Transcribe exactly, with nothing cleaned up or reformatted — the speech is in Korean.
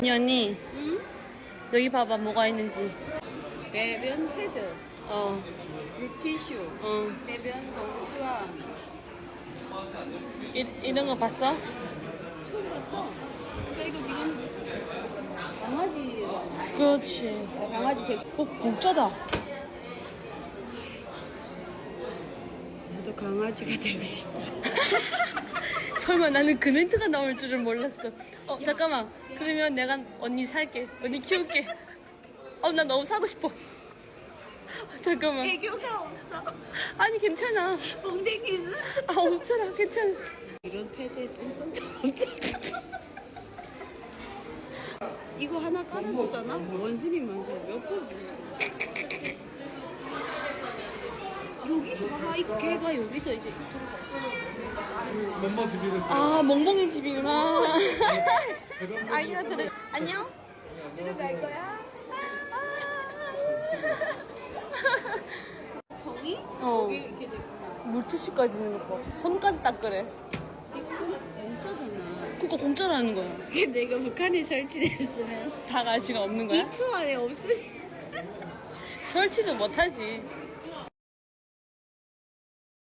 언니 언니 응? 여기 봐봐 뭐가 있는지. 배변 패드, 어 물티슈, 어. 배변 봉투와 이, 이런 거 봤어? 처음 봤어. 그러니까 이거 지금 강아지 그렇지. 강아지 개. 어 공짜다. 나도 강아지가 되고 싶어. 설마 나는 그 멘트가 나올 줄은 몰랐어. 어 잠깐만. 그러면 내가 언니 살게. 언니 키울게. 어 나 너무 사고 싶어. 잠깐만. 애교가 없어. 아니 괜찮아. 엉덩이는 아 없잖아. 괜찮아. 이런 패드에 똥손 없잖아. 이거 하나 깔아주잖아? 원순이 만져 몇 번 주냐? 여기서 봐봐. 이거 걔가 여기서 이제 이쪽으로 멤버 집이를 아 멍멍이 집이구나. 아이가 들어. 안녕. 들어갈 거야? 정이? 어. 여기 이렇게 돼 있구나. 물티슈까지 있는 거 봐. 손까지 닦으래. 이거 공짜잖아. 그거 공짜라는 거야. 이게 내가 북한에 설치됐으면 다 가치가 없는 거야? 이 초 안에 없으니 설치도 못하지.